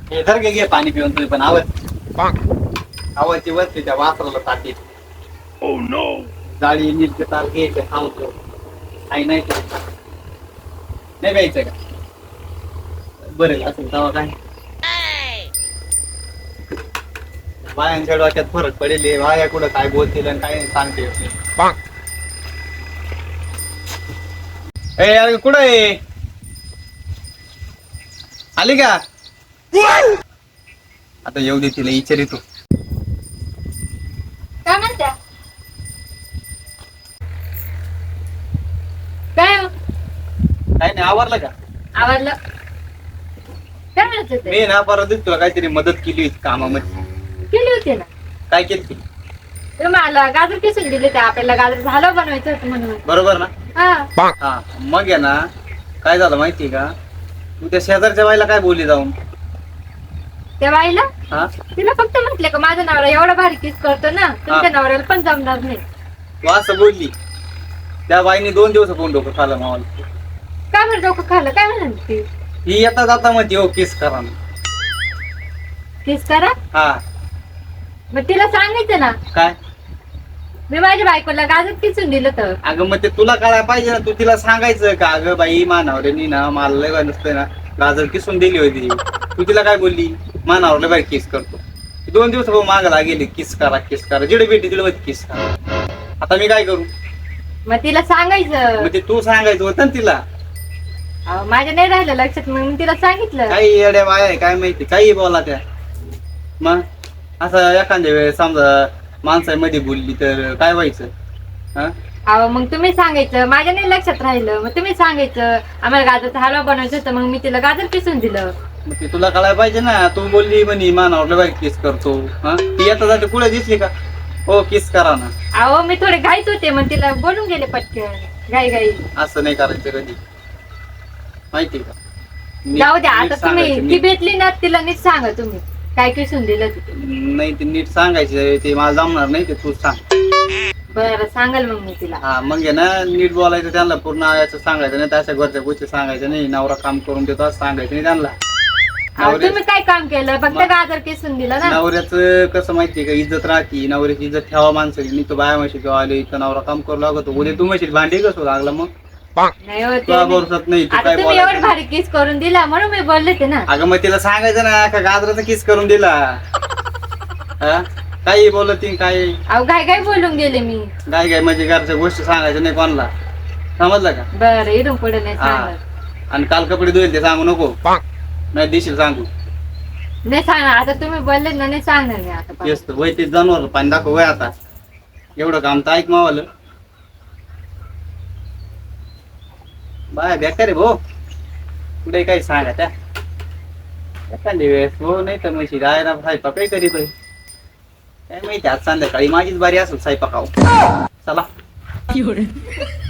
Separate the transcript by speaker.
Speaker 1: हे धर घे पाणी पिऊन तुम्ही पण आवाजची वरती त्या वासराला ताटी जाळी नीट तार घ्यायचं खावतो आई नाही नाही प्यायचं का बरं असेल तेव्हा काय बायांच्या डोक्यात फरक पडेल बाया कुठं काय बोलतील आणि काय सांगते ए यार कुठं आहे आली का आता येऊ दे तिला विचारी तू
Speaker 2: काय म्हणत्या काय हो?
Speaker 1: काय नाही आवरलं का
Speaker 2: आवडलं काय म्हणत होते
Speaker 1: मी ना परत तुला काहीतरी मदत केली होती कामामध्ये
Speaker 2: केली होती ना
Speaker 1: काय केली
Speaker 2: मला गाजर किसून दिले ते आपल्याला गाजर हलवा बनवायचं होतं म्हणून
Speaker 1: बरोबर ना
Speaker 2: हा
Speaker 1: हा मग आहे ना काय झालं माहितीये का तू त्या शेजारच्या बाईला काय बोलली जाऊन
Speaker 2: त्या बाईला
Speaker 1: हा
Speaker 2: तिला फक्त म्हटले का माझा नवरा एवढा भारी किस करतो ना तुमच्या नवऱ्याला पण जमणार नाही
Speaker 1: तू असं बोलली त्या बाईने 2 दिवस कोण डोकं खाल्लं मावाला
Speaker 2: काय म्हणत डोकं खाल्लं काय म्हणत ती
Speaker 1: ही येता जाता म्हणते हो किस करा ना.
Speaker 2: किस करा
Speaker 1: हा
Speaker 2: मग तिला सांगायचं ना
Speaker 1: काय
Speaker 2: मी माझ्या बायकोला गाजर किसून दिलं तर
Speaker 1: अगं मग ते तुला कळायला पाहिजे ना तू तिला सांगायचं का अगं बाई मानावऱ्यांनी ना मला लय नसतं ना गाजर किसून दिली होती तू तिला काय बोलली मानावर लय बाई किस करतो 2 दिवस मागायला गेले किस करा जिडे भेटी तिला किस करा आता मी काय करू
Speaker 2: मग तिला सांगायचं
Speaker 1: मग ते तू सांगायचं होतं ना तिला
Speaker 2: अहो, माझ्या नाही राहिलं लक्षात मग मी तिला सांगितलं
Speaker 1: काही येड्या बाया आहे काय माहिती काही बोला त्या मग असं एखाद्या वेळेस समजा माणसामध्ये बोलली तर काय व्हायचं हा
Speaker 2: अहो मग तुम्ही सांगायचं माझ्या नाही लक्षात राहिलं मग तुम्ही सांगायचं आम्हाला गाजरचा हलवा बनवायचं होतं मग मी तिला गाजर किसून दिलं
Speaker 1: मग ते तुला कळायला पाहिजे ना तू बोलली म्हणे मानावर बाई किस करतो हा ती येता जाते पुढे दिसली का हो किस करा ना
Speaker 2: अहो मी थोडे घाईत होते मग तिला बोलून गेले पटकन घाई
Speaker 1: असं नाही करायचं कधी माहिती का
Speaker 2: जाऊ द्या आता तुम्ही
Speaker 1: सांगायचं,
Speaker 2: ती भेटली ना तिला नीट सांगा तुम्ही काय किसून दिलं तिथे
Speaker 1: नाही ते नीट सांगायचं ते मला जमणार नाही ते तू सांग
Speaker 2: बरं सांगाल मग मी तिला
Speaker 1: हा मग आहे ना नीट बोलायचं त्यांना पूर्ण याचं सांगायचं नाही अशा घरच्या गोष्टी सांगायचं नाही नवरा काम करून देतो असं सांगायचं नाही त्यांना
Speaker 2: अहो, तुम्ही काय काम केलं फक्त गाजर किसून दिलं ना
Speaker 1: नवऱ्याचं कसं माहितीये का इज्जत राहते नवऱ्याची इज्जत ठेवा माणसाची मी तो बाया म्हशी किंवा आले इथं नवरा काम करू लागतो उद्या तू म्हशील भांडी कसं लागला मग
Speaker 2: नाही होते
Speaker 1: तुला भरोसात नाही तू
Speaker 2: आता
Speaker 1: काय
Speaker 2: तुम्ही एवढं
Speaker 1: बोलायचं
Speaker 2: भारी किस करून दिला म्हणून मी बोलले ते ना
Speaker 1: अगं मग तिला सांगायचं ना का गाजराचा किस करून दिला हा काही बोलती काय
Speaker 2: अहो काय बोलून गेले मी
Speaker 1: काय म्हणजे घरच्या गोष्टी सांगायच्या नाही कोणाला समजलं का
Speaker 2: बरं इडून पुढे नाही
Speaker 1: हा
Speaker 2: सांगत
Speaker 1: आणि काल कपडे धुईल ते सांगू नको नाही दिशील सांगू
Speaker 2: नाही सांगणार आता तुम्ही बोलले ना नाही सांगणार मी आता
Speaker 1: तेच तर वय ते जनावर पाणी दाखव वय आता एवढं काम तर ऐक मावालं बाय बेकार आहे भाऊ कुठे काही सांगा त्या एखादी वेळेस हो नाही तर म्हशी राहायला स्वयंपाक काही करीतोय काय माहिती आज संध्याकाळी माझीच बारी असेल स्वयंपाकाव चला